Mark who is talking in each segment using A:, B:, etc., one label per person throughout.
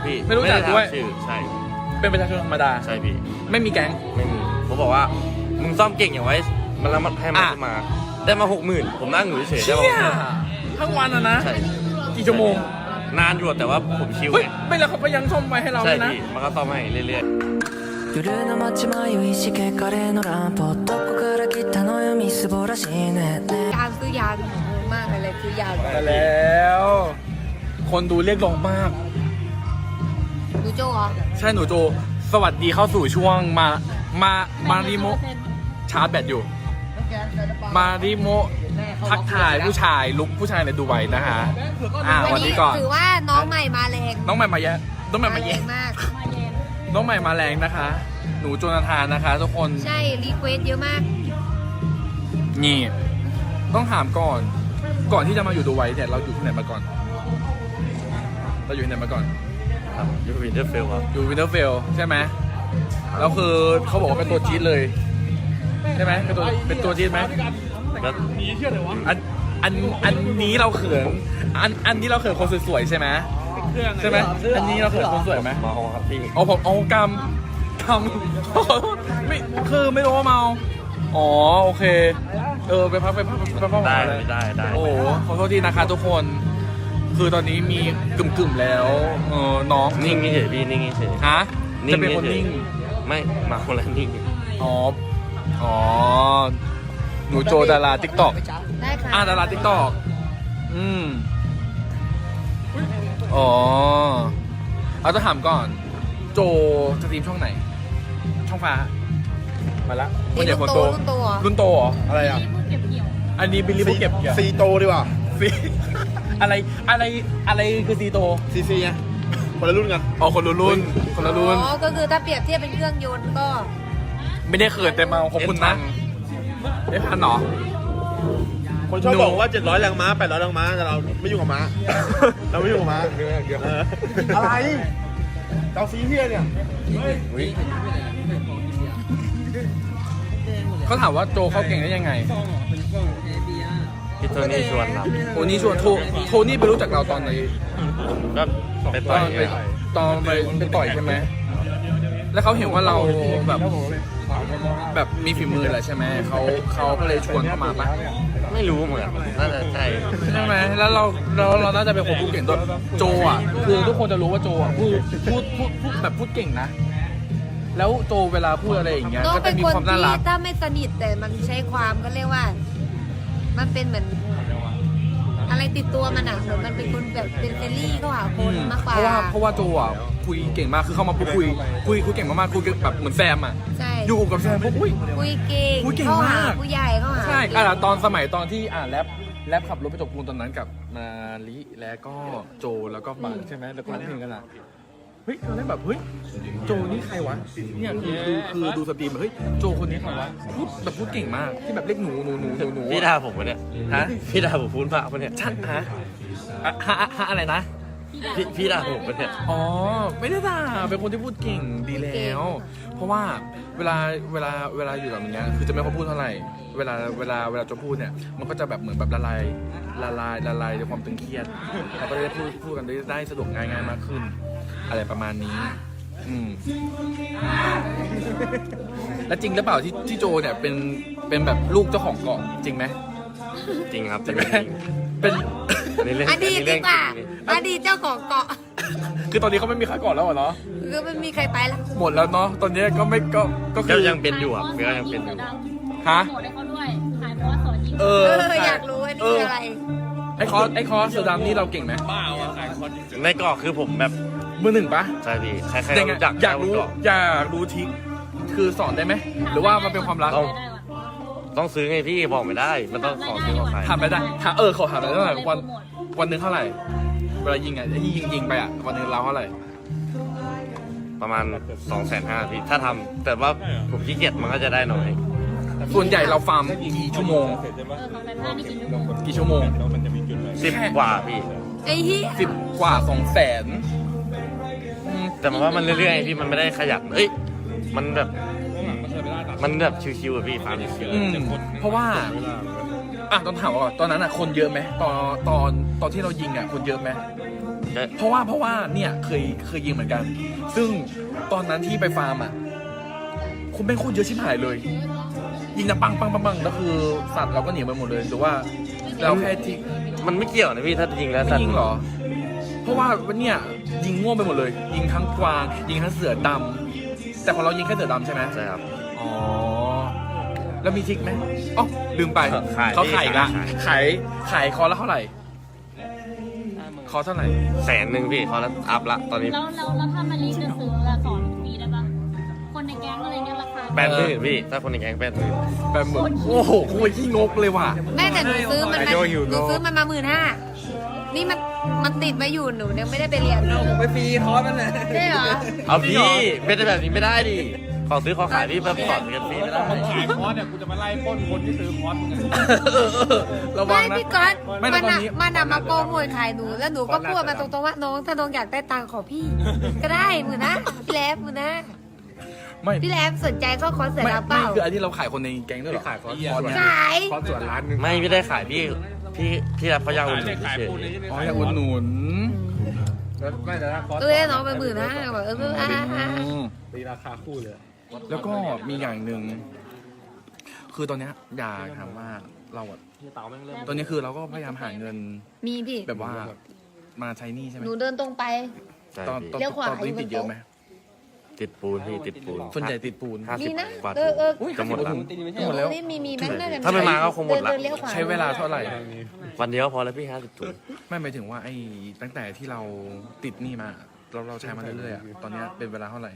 A: พี่
B: ไม่รู้จักด้วย
A: ชื่อใช่
B: เป็นประชาชนธรรมดา
A: ใช่พี่
B: ไม่มีแก๊ง
A: ไม่มีเขาบอกว่ามึงซ่อมเก่งอย่างไว้มันแล้วมันให้มันขึ้นมาได้มา 60,000 ผมนั่งอยู่เฉยๆได้
B: เชี่ย
A: มา
B: ทั้งวันอะนะ
A: ใช่
B: กี่ชั่วโมง
A: นานอยู่แต่ว่าผมชิว
B: เฮ้ย
A: ไง
B: ไม่แล้วเขาก็ยังซ่อมไว้ให้เรา
A: ใช่
B: เลยนะ
A: พี่มันก็ซ่อมให้เรื่อย
C: 夜の街迷いしけカレーのランプどこから来たのよみすぼらしいね
D: ยานซื้อยานมากเลยซื้อยาน
B: แต่แล้ว คนดูเรียกร้องมาก
D: ดูโจ้เหรอ
B: ใช่หนูโจ สวัสดีเข้าสู่ช่วงมาริโมชาร์จแบตอยู่ มาริโมทักทายผู้ชายลุกผู้ชายในดูไบนะฮะวันนี้ก่อน
D: ถือว่าน้องใหม่มาแรง
B: น้องใหม่มาแย่น้องใหม่มา
D: แร
B: แย่
D: งมาก
B: น้องใหม่มาแรงนะคะ หนูโจนาธานนะคะทุกคน
D: ใช่รีเควสเยอะมาก
B: นี่ต้องถามก่อนที่จะมาอยู่ดูไบเนี่ยเราอยู่ที่ไหนมาก่อน เราอยู่ที่ไหนมาก่อน
A: ๆครับยูวินเทอร์เฟลครับ
B: อยู่วินเทอร์เฟลใช่ไหมแล้วคือเขาบอกว่าเป็นตัวจี๊ดเลยใช่ไหมเป็นตัวจี๊ดไหม
A: แล้ว
B: อันนี้เราเขินอันนี้เราเขินคนสวยๆใช่ไหมใช่ไหมอันนี้เราเขินคนสวยไหม
A: มาฮองครับพี่
B: เอาผมเอากำขอโทษไม่คือไม่รู้ว่าเมาอ๋อโอเคไปพักก่อน
A: ได้
B: เลย
A: ได้
B: โอ้ขอโทษทีนะคะทุกคน คือตอนนี้มีกึ่มๆแล้วน้อง
A: นิ่งเฉยพี่นิ่งเฉย
B: ฮะ
A: นิ่ง
B: จะเป็นคนนิ่ง
A: ไม่มาคนละนิ่ง
B: อ๋อหนูโจดาราติ๊กต็อก
D: ได้ค่ะ
B: ดาราติ๊กต็อกอ๋อเอาจะถามก่อน โจสตรีมช่องไหน ช่องฟ้ามาละคนใหญ่คนโต
D: รุ่นโตเหรอ
B: รุ่นโตเหรออะไรอ่ะอันนี้บิลลี่บุกเก็บ
E: ซีโตดีกว่า
B: ซีอะไรคือซีโต
E: ซีซีไงคนละรุ่นกัน
B: อ๋อคนละรุ่นคนละรุ่น
D: อ๋อก็คือถ้าเปรียบเทียบเป็นเครื่องยนต์ก็
B: ไม่ได้เขินแต่เมาขอบคุณนะได้พันเหรอ
E: คนชอบบอกว่า700แรงม้า800แรงม้าแต่เราไม่ยุ่งกับม้า เราไม่ยุ่งกับม้าอะไรเจ้าซีเฮียเนี่ย
B: เขาถามว่าโจเขาเก่งได้ยังไง
A: พี่โทนี่ชวนครับ
B: โทนี่ชวนโทนี่ไปรู้จักเราตอนไหน
A: ก็ไป
B: ต
A: ต่
B: อ
A: อน ย
B: ไปตอนไปต่อยใช่ไหมแล้วเขาเห็นว่าเราแบบมีฝีมือแหละใช่ไหมเขาก็เลยชวนเข้ามาปะ
A: ไม่รู้เหมือนน่าจะใช่
B: ใช่ไหมแล้วเราน่าจะเป็นคนพูดเก่งด้วยโจอ่ะคือทุกคนจะรู้ว่าโจอ่ะพูดแบบพูดเก่งนะ แล้วโจเวลาพูดอะไรอย่างเงี้ย
D: น้อง
B: ก็จะ
D: เป็น
B: มี
D: คน
B: ความน่า
D: ที่
B: รัก
D: ถ้าไม่สนิทแต่มันใช้ความก็เรียกว่า มันเป็นเหมือน อะไรติดตัวมันอ่ะเหมือนมันเป็นคนแบบเป็นเฟรนลี่เข้าหาคนมากกว่า
B: เพราะว่าโจอ่ะคุยเก่งมากคือเข้ามาปุ๊บคุยเก่งมากๆคุยแบบเหมือนแซมอ่ะ
D: ใช่
B: อยู่กับแซมปุ๊บอุ้ย
D: คุยเก่ง
B: คุยเก่ง
D: เข้าหาม
B: าก
D: ผู้ใหญ่เข้าหา
B: ใช่
D: เก่ง
B: ตอนสมัยตอนที่แรปขับรถไปจบปูนตอนนั้นกับมาลิแล้วก็โจแล้วก็บังใช่ไหมแล้วก็ร้องเพลงกันอ่ะเฮ้ยตอนแรกแบบเฮ้ยโจนี่ใครวะเนี่ยคือดูสตรีมแบบเฮ้ยโจคนนี้ใครวะพูดเก่งมากที่แบบเรียกหนู
A: พี่ด่าผมปะเนี่ย
B: ฮะ
A: พี่ด่าผมพูดมากปะเนี่ย
B: ชัดฮะอะไรนะ
A: พี่ด่าผมปะเนี่ย
B: อ๋อไม่ได้ด่าเป็นคนที่พูดเก่งดีแล้ว เพราะว่าเวลาอยู่กับอย่างเงี้ยคือจะไม่ค่อยพูดเท่าไหร่เวลาจะพูดเนี่ยมันก็จะแบบเหมือนแบบละลายในความตึงเครียดเราก็ได้พูดกันได้สะดวกง่ายมากขึ้น อะไรประมาณนี้แล้วจริงหรือเปล่าที่โจเนี่ยเป็นแบบลูกเจ้าของเกาะจริงไหม
A: จริงครับ
B: จริงไหมเป็น
A: ในเรื่อง
D: อดีตดีกว่าอดีตเจ้าของเกาะ
B: คือตอนนี้เขาไม่มีใครเกาะแล้วเหรอ
D: คือมันมีใครไปละ
B: หมดแล้วเนาะตอนนี้ก็ไม่ก็
A: ก็
B: คือ
A: ยังเป็นอยู่ครับก็ยังเป็นอยู่
B: ฮะ
F: โหมดให้เขาด้วยขายเพราะว่าสอนยิง
D: อยากรู้ว่านี่คืออะไร
B: ไอคอร์สเสือดำนี่เราเก่งไหม
A: ในเกาะคือผมแบบ
B: มือหนึ่งปะ
A: ใช่พี่ใครๆ
B: ยังไง
A: รู้จัก
B: อยากรู้
A: เกาะ
B: อยากรู้ทริคคือสอนได้ไหมหรือว่ามันเป็นความรัก
A: เอา
F: ได้ว่ะ
A: ต้องซื้อไงพี่บอกไม่ได้ มันต้องของซื้อของขาย
B: ถามไม่ได้ถามขอถามหน่อยเท่าไหร่วันหนึ่งเท่าไหร่เวลายิงอ่ะที่ยิงไปอ่ะวันหนึ่งเราเท่าไหร่
A: ประมาณ 250,000พี่ถ้าทำแต่ว่าผมขี้เกียจมันก็จะได้น้อย
B: ส่วนใหญ่เราฟาร์มกี่ชั่วโมง
F: ของแต่ได้ไม่กินลูก
B: กี่ชั่วโมง
A: 10 กว่าพี่
D: ไอ้เหี้ย
B: 10 กว่า 200,000
A: แต่มันว่ามันเรื่อยๆพี่มันไม่ได้ขยันเอ้ยมันแบบชิวๆอะพี่ฟาร์มชิว
B: เพราะว่าต้องถามว่าตอนนั้นอ่ะคนเยอะไหมตอนที่เรายิงอ่ะคนเยอะไหมเพราะว่าเนี่ยเคยยิงเหมือนกัน ซึ่งตอนนั้นที่ไปฟาร์มอ่ะคนเป็นโคตรเยอะชิบหายเลย ยิงนะปังแล้วคือสัตว์เราก็หนีไปหมดเลยหรือว่าเราแค่ที่
A: มันไม่เกี่ยวนะพี่ถ้ายิงแล้ว
B: ไม่ยิงเหรอ เพราะว่าเนี่ยยิงง่วงไปหมดเลย ยิงทั้งกวางยิงทั้งเสือดำแต่ของเรายิงแค่เสือดำใช่ไหม
A: ใช่ครับ
B: อ๋อแล้วมีทริกไหมอ๋อลืมไป
A: ขาย
B: เขาขายอีกละ
A: ขาย
B: ขายคอละเท่าไหร่คอเท่าไหร่
A: 100,000พี่เขาแล้วอัพละตอนนี้
F: แล้วถ้ามารีจะซื้อละสอนฟรีได้ปะคนในแก๊งอะไรเงี้ยราคา
A: 80,000พี่ถ้าคนในแก๊ง80,000
B: แบบเหมือนโอ้โหโคตรขี้งกเลยว่ะ
D: แม่แต่หนูซื้อมันมาหนูซื้อมันมา15,000นี่มันติดมาอยู่หนูยังไม่ได้ไปเรียน
G: ไปฟรีคอร์สมันเลย
D: ใช่เหรอ
A: เอาพี่เป็นแบบนี้ไม่ได้ดิขอซื้อขอขายพี่แบบสอนกันฟรีไม่ได้
E: ขายคอร์สเนี่ยกูจะมาไล่ปล้นคนที่ซื้อคอร์สมึงไง
B: ระวั
D: ไม่
B: งนะ
D: พี่ก๊อต
B: ไม่
D: มัน
B: แต่ตอน
D: อะ
B: นี้
D: มันอะมาโปรโมทขายหนูแล้วหนูก็พูดมาตรงๆว่าน้องถ้าน้องอยากได้ตังค์ขอพี่ ก็ได้หมือนะพี่แลบมือนะ
B: ไม่
D: พี่แลบสนใจเข้าคอร์สเสร็จ
B: ไม่
D: แล้วเป
B: ไม่
D: ล่า
B: คืออันที่เราขายคนในแก๊งด้วยเหรอขายคอร์สเนี่ย
D: ขาย
E: คอร์สส่วนร้านนึง
A: ไม่พี่ได้ขายพี่รับเขายาวอุ่นเฉย
B: อ๋ออยากอุดหนุน
E: ไม่แต่ถ้าคอร์ส
D: น้องไป15,000แบบ
E: ตีราคาคู่เลย
B: แล้วก็มีอย่างหนึ่งคือตอนเนี้ยอยากถามว่าเราอะตอนนี้คือเราก็พยายามหาเงิน
D: มีพี่
B: แบบว่ามาใช้หนี้ใช่ไหม
D: หนูเดินตรงไป
A: ใช่
B: ตอน
A: พี่
B: ตอน
D: เลี้ยวขวา
B: ตอนนี้
D: อยู่บน
B: ติดเยอะไหม
A: ติดปูนพี่ติดปูน
B: ส่วนใหญ่ติดปูน
A: 50
D: มีนะ
A: กว่า
D: เออ
A: จะหมดแล้ว
B: หมดแล้ว
D: นี่มีแม่น่าจะ
A: ถ้าไม่มาก็คงหมดละ
D: เนเลี้ยวขวา
B: ใช้เวลาเท่าไหร่
A: วันเดียวพอแล้วพี่50ถุง
B: ไม่หมายถึงว่าไอ้ตั้งแต่ที่เราติดหนี้มา เราใช้มาเรื่อยๆอะตอนเนี้ยเป็นเวลาเท่าไหร่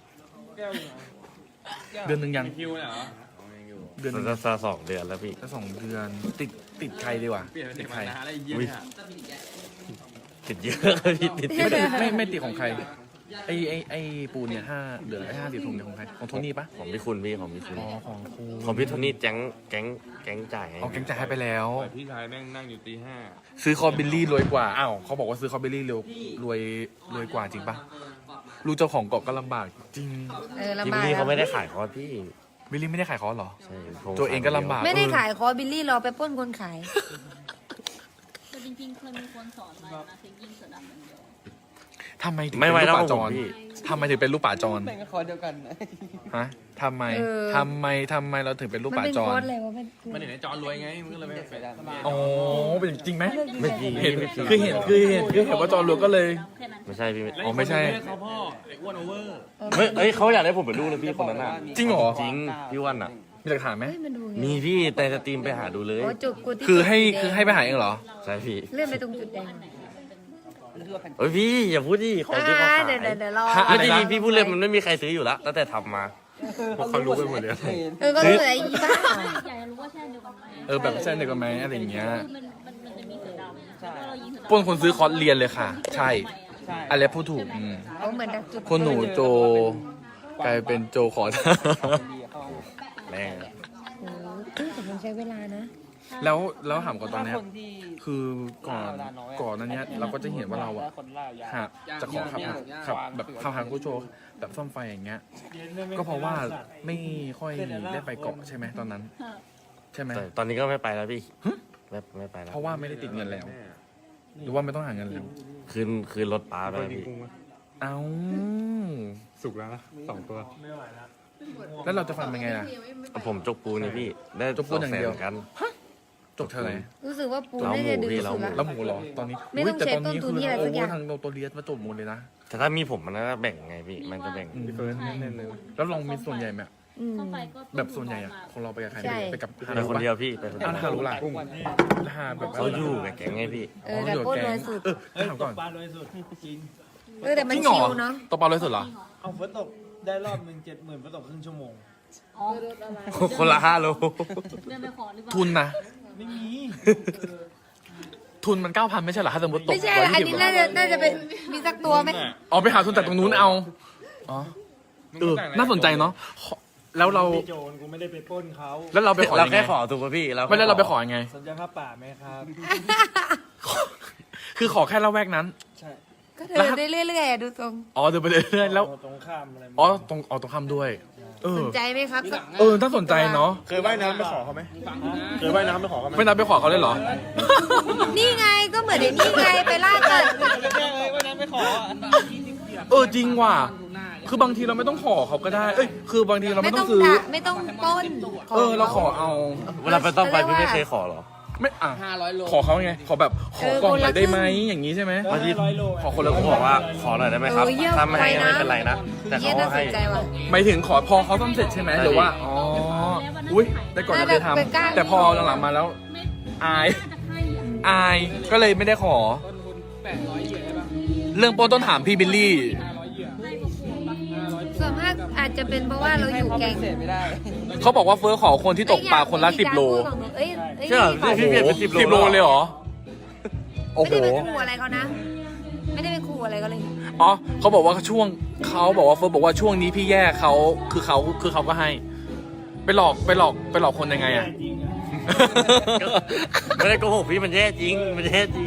B: เดือนหนึ่งยังเดือนหนึ่ง
A: จะ2 เดือนแล้วพี่
B: จะ2 เดือนติดใครดีกว่าติดใคร
A: อุ๊ยติดเยอะเลยพี่ติดเย
B: ไม่
A: อะ
B: ติดไม่ติดของใครไอ้ปูนเนี่ยเหลือไอ้50 ถุงเนี่ยของใครของโทนี่ปะ
A: ของพี่คุณพี่ของพี่คุณ
B: อ๋อของครู
A: ของพี่โทนี่แก๊งจ่ายให้
B: เอาแกงจ่ายให้ไปแล้ว
E: พี่ชายแม่งนั่งอยู่ตี
B: ซื้อคอบิลลี่รวยกว่า อ้าว เขาบอกว่าซื้อคอบิลลี่รวยกว่าจริงปะลูกเจ้าของเกาะก็ลำบากจริง
A: พี่
D: ลำ
A: บิ
D: บา
A: ล
D: ก
A: ลี่เขาไม่ได้ขายคอร์สพี่
B: บิลลี่ไม่ได้ขายคอร์สเหรอ
A: ใช่
B: ตัวเองก็ลำบาก
D: ไม่ได้ขายคอร์สบิลลี่รอไปปล้นคนขาย
F: แต่จริงๆเคยมีคนสอนมานะคือยิงเสือดำอย่างเดียว
B: ทำไมถึง
A: ไม่
B: เป็น
A: ไหว
B: ลูก
A: แล้ว
B: ป่าจ
A: ผม
B: ร
A: พี่
B: ทำไมถึงเป็นลูกป่าจร
G: แม่งก็คอร์สเดียวกัน
B: ฮะทำไม
D: เออ
B: ทำไมเราถึงเป็นลูก
D: มัน
B: ป่า
D: เป็น
B: จ
D: คอ
B: ร
D: ร์สอะไรวะมัน
E: มันอยู่ในจอรวยไงมึงก็เลยไม่ไปได้
B: อ๋อ เป็นจริงไหม
A: ไม่จริง
B: เห็น
A: ไม่จริง
B: คือเห็นว่าจรรวยก็เลย
F: แค่นั้น
A: ไม่ใช่พี่
B: อ๋อไม่ใช่
E: เขาพ่อไอ้อ้วนโอเวอร์
A: เฮ้ยเขาอยากได้ผมเป็นลูกเลยพี่คนนั้นน่ะ
B: จริงเหรอ
A: จริงพี่วันอ่ะ
B: มีหลักฐานไหม
D: เฮ้ยมันดูไง
A: มีพี่แต่สตรีมไปหาดูเลย
D: โอ้จุกกูที่
B: คือ
D: จุด
B: ให้ไปหาเองเหรอ
A: ใช่พี่
D: เลื่อนไปตรงจุดแดง
A: เฮ้ยพี่อย่าพูดดิของที่เขาขาย
D: เดี๋ยวรอ
B: ฮะ
A: ไม่จริงๆพี่พูดเลยมันไม่มีใครซื้ออยู่แล้วตั้งแต่ทำมา
E: เขารู้ไปหมดเลย
D: ก็เหลืออีบ้า
F: อยากจะรู้ว่าใช่เดียวกันไหม
B: แบบใช่เด็กกันไหมอะไรอย่างเงี้ย
F: คือมันจะมีเสือดำแล้วก็เรายิงเสือดำ
B: ปล้นคนซื้อคอร์สเรียนเลยค่ะ ใช่
G: ใช่
B: อะไรพูดถูก
D: เขาเหมือนดักจุด
B: คนหนูโจกลายเป็นโจขอทาน
A: แม่ง
D: โอ้โหแต่มันใช้เวลานะ
B: แล้วถามก่อนตอนเนี้ย
G: คนที่
B: คือก่อนนั้นเนี้ยเราก็จะเห็นว่าเราอะ
G: คนล่ายา
B: หากจะขอขับแบบขับหางกูโชว์แบบซ่อมไฟอย่างเงี้ย ก็เพราะว่าไม่ค่อยได้ไปเกาะใช่ไหมตอนนั้น ใช่ไหม
A: แต่ตอนนี้ก็ไม่ไปแล้วพี่ไม่ไปแล้ว
B: เพราะว่าไม่ได้ติดเงินแล้ว หรือว่าไม่ต้องหาเงินแล้ว
A: คืนรถป้าไปแล้วพี่
B: เอ้า
E: สุกแล้วนะ2 ตัว
B: แล้วเราจะฟังเป็นไงล่ะ
A: ผมจกปูนี่พี่ได้
B: จกปูอย่างเดียว
A: 200,000กัน
B: จบเท่าไหร่
D: รู้สึกว่าปู
A: เรา
D: น่าจะดึง
A: หมูพี่
D: สุด
A: เรา
D: ละ
B: แล้วหมูเหรอตอนนี้
D: ไม่ต้อง
B: แต่
D: ใช้ต้นทุนที่อะไรสักอย่าง
B: ทางโนโตเรียสมาจบหมูเลยนะ
A: แต่ถ้ามีผมมันก็แบ่งไงพี่มันจะแบ่ง
E: พี่เฟิร์สแน่นๆเลย
B: แล้วลองมีส่วนใหญ่ไหม
D: อืม
F: เข้าไปก็
B: แบบส่วนใหญ่อะของเราไปกับใคร
D: ใช่
B: ไปกับฮา
A: ไป
B: รุ
A: คน
B: ปะ
A: เดียวพี่ไปคนเดี
B: อ้า
A: ยว ว
B: ฮารุล่ะฮาแบบ
A: เขาอยู่กับแก๊งไงพี่
D: แต่โคตรรวยสุด
B: ถามก่อน
H: ปลาโดยสุดจริง
D: แต่มัน
B: จริงเหร
D: ชิ
B: อ
D: วเนาะ
B: ตัวปลาเลยสุดเหรอ
H: เอาฝนตกได้รอบหนึ่ง70,000ฝนตกครึ่งชั่วโมง
F: อ๋อ
A: คนละ5 โล
F: เดินไปขอหรือเปล่า
B: ทุนนะ
H: ไม่มี
B: ทุนมัน 9,000 ไม่ใช่เหรอถ้าสมมติตก
D: ไม่ใช่อันนี้น่าจะเป็นมีสักตัวไหม
B: อ๋อไปหาทุนจากตรงนู้นเอาอ๋อน่าสนใจเนาะแล้วเรา
H: ไม่โจรกูไม่ได้ไปปล้นเขา
B: แล้วเราไปขอ
A: เรา
B: ยังไง
A: แค่ขอถูกป่ะพี่
B: ไม่แล้วเราไปขอยังไง
H: สนใจค่าป่าไหมครับ
B: คือขอแค่ละแวกนั้น
H: ใช่
D: ก็เดินได้เรื่อยๆอะดูตรง
B: อ๋อเดินไปเรื่อยๆแล้ว
H: ตรงข้ามอะไร
B: อ๋อตรงข้ามด้วยเออ
D: สนใจไหมครับสัก
B: น่าสนใจเนาะ
E: เคยว่ายน้ำไปขอเขาไหมเคยว่ายน้ำไปขอเขาไหม
B: ไม่นับไปขอเขาเลยเหรอ
D: นี่ไงก็เหมือนไอ้นี่ไงไปล่าสัตว์
B: จริงว่ะคือบางทีเราไม่ต้องขอเขาก็ได้ คือบางทีเรา
D: ไม่
B: ไม่ต้
D: ต้
B: อ
D: อง ง
B: ซื้อ
D: ด่าไม่ต้องปล้น
B: เราขอเอา
A: เวลาไปต้องไปพี่ไม่เคยขอหรอ
B: ไม่ขอเขาไง ขอแบบขอกล่องหน่อยได้ไหมอย่างนี้ใช่ไหม
A: บางที
H: 500 โล
B: ขอคนละ
A: ผม
B: ก
A: บ
B: ล่
A: อ
B: อง
A: กว่าขอหน่อยได้ไหมครับ
D: เยี่ยม
A: ถ้าไม่ให้
D: ไปนะ
A: ไม่เป็นไรนะ แต่
D: เยี่ย
A: เขา
D: น่า
A: ให้
D: สนใจว่ะ
B: หมายถึงขอพอเขาซ่อมเสร็จใช่ไหมหรือว่า อุ้ยแต่ก่อนเราเคยท
D: น่าจะเป็นกล้า
B: ำแต่พอหลังๆมาแล้ว อาย
F: จะให้อ่ะ
B: อาย ก็เลยไม่ได้ขอ เรื่องโปนต้นถามพี่บิลลี่
D: ส่วนมากอาจจะเป็นเพราะว่าเราอยู่แก๊ง
B: เขาบอกว่าเฟิร์สขอคนที่ตกปลาคนละ10 โล
D: เอ้ยเอ้ย
A: เชื่อพี่เปลี่ยนเป็น10 โล
B: เลยเหรอ โอ้
D: ไม่
B: โห
D: ได้ไปขู่อะไรเขานะ ไม่ได้ไปขู่อะไรเขาเลย
B: อ๋อเขาบอกว่าช่วงเขาบอกว่าเฟิร์สบอกว่าช่วงนี้พี่แย่เขาคือเขาก็ให้ ไปหลอกคนยังไงอ่ะ
H: จริงอ่ะ
A: ไม่ได้โกหกพี่มันแย่จริง มันแย่จริง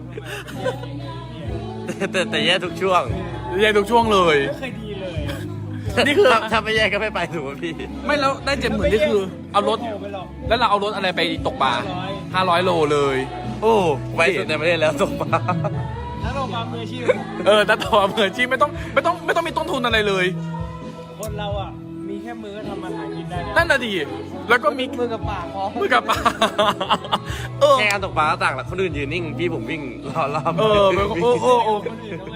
A: แต่แย่ทุกช่วง
B: แย่ทุกช่วงเลย
H: ไม่เคยดีเลย
B: นี่คือ
A: ถ้าไม่แย่ก็ไม่ไปถูกไหมพี่
B: ไม่แล้วได้70,000นี่คือเอารถ
H: โทไปหรอก
B: แล้วเราเอารถอะไรไปตกปลา500 โลเลย
A: โอ้ไวสุดในประเทศแล้วตกปลา
H: ถ้าเรามามืออาชีพ
B: แต่ต่อเหมือนจริงไม่ต้องมีต้นทุนอะไรเลย
H: คนเราอ่ะ มีแค่มือก็ทำอาหารกินได้แล้ว
B: นั่นน่ะดิแล้วก็มี
H: มือกับปากพอ
B: มือกับปลา
A: แค่การตกปลาก็ต่างละคนอื่นยืนนิ่ง พี่ผมวิ่งรอบ
B: คนอื่นด้วย
H: คนอื่นด้วย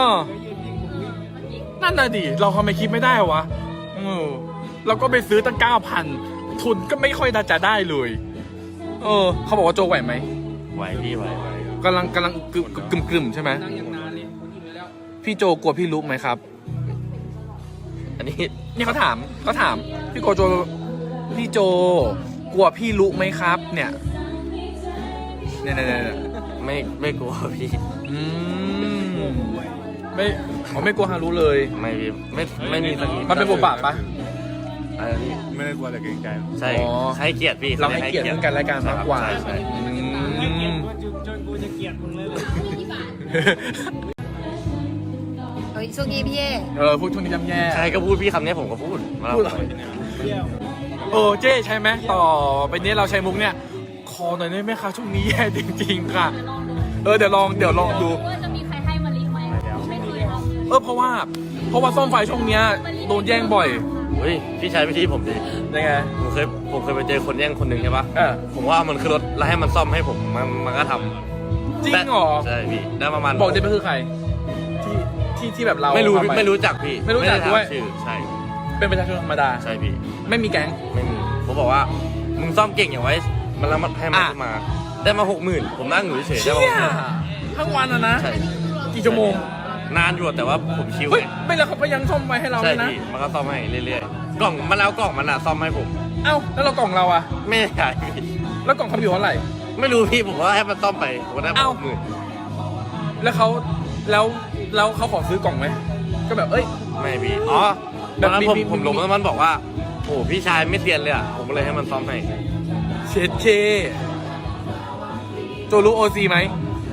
B: นั่นน่ะดิเราทำไมคิดไม่ได้วะเราก็ไปซื้อตั้ง 9,000 ทุนก็ไม่ค่อยจะได้เลย เขาบอกว่าโจไหวไหม
A: ไหวพี่ไหว
B: กำลังกึ่มใช่ไหมพี่โจกลัวพี่ลุกไหมครับ
A: อันนี้
B: นี่เขาถามพี่โจกลัวพี่ลุกไหมครับ เนี่ย
A: ไม่กลัวพี่
B: ไม่กลัวฮารุเลย
A: ไม่พี่ไม่มีสักนิด
B: มันเป็นบทบาทปะ
A: อะไรพี่
E: ไม่ได้กลัวแต่เกรงใจ
A: ใช่
B: อ๋อ
A: ให้เกียรติพี่
B: เราให้เกียรติซึ่งกันและกันมากกว่า
A: ใช่
H: ไม่เกลียดกูจนกูจะเกลียดมึงเลย
D: เฮ้ยช่วงนี้พี่เอ
B: พวกช่วงนี้ย่ำแย่
A: ใครก็พูดพี่คำนี้ผมก็พูดมา
B: พูดเหรอ
H: เที่ยว
B: เจ๊ใช่ไหมต่อไปนี้เราใช้มุกเนี่ยคอหน่อยได้ไหมคะช่วงนี้แย่จริงๆค่ะ เดี๋ยวลองดู
F: ว่าจะมีใครให้มาลิไหมไม่เคยทำ
B: เพราะว่าซ่อมไฟช่วงเนี้ยโดนแย่งบ่อย
A: เฮ้ยพี่ใช้วิธีผมดิ
B: ยังไง
A: ผมเคยไปเจอคนแย่งคนหนึ่งใช่ปะ
B: เออ
A: ผมว่ามันคือรถแล้วให้มันซ่อมให้ผมมันก็ทำ
B: จริงเหรอ
A: ใช่พี่ได้ประมาณ
B: บอกได้ไหมคือใคร ที่แบบเรา
A: ไม่รู้
B: ทำป
A: ไม่รู้จักพี่
B: ไม่รู้จักด้วย
A: ไถามชื่อใช่
B: เป็นประชาชนธรรมดา
A: ใช่พี่
B: ไม่มีแก๊ง
A: ไม่มีผมบอกว่ามึงซ่อมเก่งอย่างไว้มันแล้วมันให้มัน
B: อ่ะ
A: ขึ้นมา ได้มา 60,000ผมนั่งอยู่เฉยๆได้
B: เชี่
A: มาย
B: ทั้งวันอะนะ
A: ใช่
B: กี่ชั่วโมง
A: นานอยู่แต่ว่าผมชิว
B: เฮ้ย
A: ไง
B: ไม่แล้วเขาก็ยังซ่อมไว้ให้เรา
A: ใช่
B: เลยนะ
A: พี่มันก็ซ่อมให้เรื่อยๆกล่องมันแล้วกล่องมันอะซ่อมให้ผม
B: เอ้าแล้วเรากล่องเราอะ
A: ไม่ได้ขายพี่
B: แล้วกล่องเขาอยู่เท่าไหร่
A: ไม่รู้พี่ผมว่าให้มันซ่อมไปผมก็ได้มา
B: เอ้า
A: 60,000
B: แล้วเขาขอซื้อกล่องไหมก็แบบ
A: ไม่พี่อ๋อ
B: แบ
A: ต
B: บ
A: อนนั้น
B: มี
A: ผมลงแล้วมันบอกว่าโอ้พี่ชายไม่เซียนเลยอะผมก็เลยให้มันซ่อมให้
B: เชดเคโจรู้โอซีไหม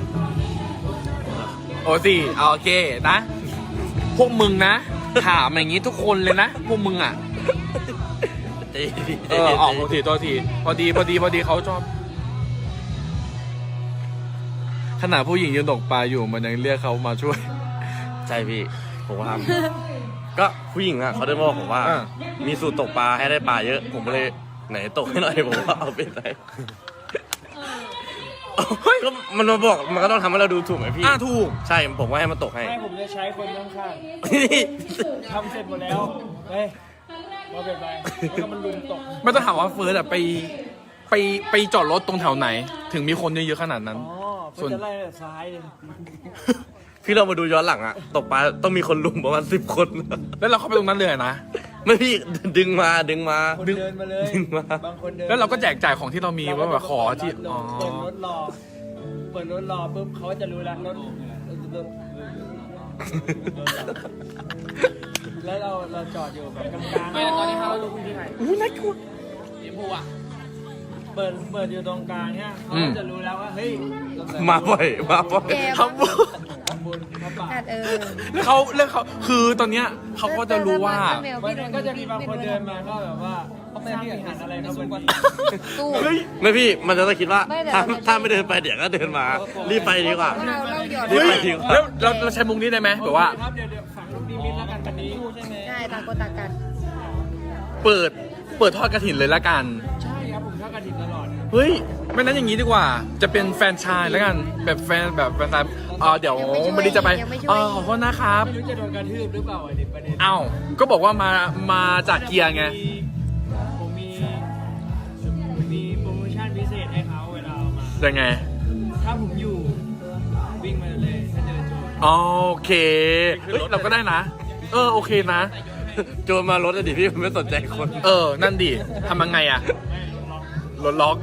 B: โอซีโอเคนะ พวกมึงนะ ถามอย่างนี้ทุกคนเลยนะ พวกมึงอ่ะ
A: ตีพี่
B: ออกตัวทีพอดีเขาชอบ ขนาดผู้หญิงยืนตกปลาอยู่มันยังเรียกเขามาช่วย
A: ใช่พี่ผมก็ทำก็ผู้หญิงอะเขาได้บอกผมว่า
B: อ่า
A: มีสูตรตกปลาให้ได้ปลาเยอะ ผมก็เลยไหนตกให้หน่อยผมก็เอาไปใส่ก็มันมาบอกมันก็ต้องทำให้เราดูถูกไหมพี่
B: ถูก
A: ใช่ผมว่าให้มันตกให้
H: ให้ผมจะใช้คนข้างๆทำเสร็จหมดแล้ว เฮ้ยมาเป็นไปแล้วก็มันลุมตก
B: ไม่ต้องถามว่าเฟิร์สอะไปจอดรถตรงแถวไหน ถึงมีคนเยอะๆขนาดนั้น
H: อ๋อเพื่อจะไล่แต่ซ้ายเลย
A: พี่เรามาดูย้อนหลังอะตกปลาต้องมีคนลุมประมาณ10 คน
B: แล้วเราเข้าไปตรงนั้นเลยนะ
A: ไม่พี่ดึงมา
H: คนเดินมาเลย
A: ดึงมา
H: บางคนเดิน
B: แล้วเราก็แจกจ่ายของที่เรามีว่าแบบขอที่
H: เปิดรถรอ เปิดรถรอปุ๊บเขาจะรู้แล้วรถแล้วเราจอดอยู่แบบกลางๆไม่ตอนนี้เราลงที่ไหน
B: อุ้ยน่ากลัว
H: เปิดอยู่ตรงกลางเนี่ยเขาจะรู้แล้วว่าเฮ้ย
A: มาบ่อย
D: แก
B: ทำบุญ
H: คุณครับป่า
B: แล้วเขาคือตอนเนี้ยเขาก็จะรู้ว่า
H: วันนั้นก็จะมีบางคนเดินมาก็แบบว่าสร้างวิหารอะไรครับวันนี้
D: ตู้
A: ไม่พี่มันจะต้องคิดว่า
D: ไม่เดี๋ยว
A: ถ้าไม่เดินไปเดี๋ยวก็เดินมารีบไปดีกว่า
D: เราหยอด
A: รีบไปดีกว่า
B: แล้วเราใช้มุกนี้ได้ไหมแบบว่า
H: ครับเดี๋ยวฝังลูกนิมิตแล้วกันวันนี้ใช่ไหม
D: ใช่ต่างคนต่างกัน
B: เปิดทอดกระถินเลยละกัน
H: ใช่ครับผมชอบกระดิ่งตลอด
B: เฮ้ยไม่นั้นอย่างนี้ดีกว่า จะเป็นแฟนชายแล้วกันแบบแฟนชายเดี๋ยววันนี้จะไปขอโทษนะครับ
H: ไม่รู้จะโดนกระทืบหรือเปล่าอันนี้ประเด็น
B: เอ้าก็บอกว่ามาจากเกียร์ไง
H: ผมมีโปรโมชั่นพิเศษให้เขาเวลาเอามา
B: ยังไง
H: ถ้าผมอยู่วิ่งมาเลยถ้าเจอโจร
B: โอเคเฮ้ยเราก็ได้นะ โอเคนะ
A: โจรมารถอะดิพี่มันไม่สนใจคน
B: นั่นดิทำยังไงอะรถล็อก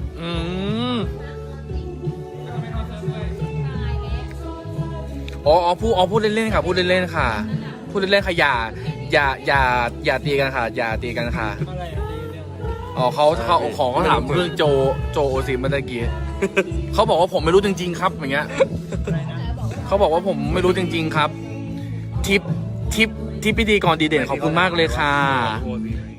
B: พูดเล่นๆค่ะพูดเล่นๆค่ะพูดเล่นๆค่ะอย่าตีกันค่ะอย่าตีกันค่ะ
H: อะไรอะตีเรื่องอะไร
B: เขาถามเรื่องโจโอซีเมื่อกี้เขาบอกว่าผมไม่รู้จริงๆครับอย่างเงี้ยเขาบอกว่าผมไม่รู้จริงๆครับทิปพิธีกรดีเด่นขอบคุณมากเลยค่ะ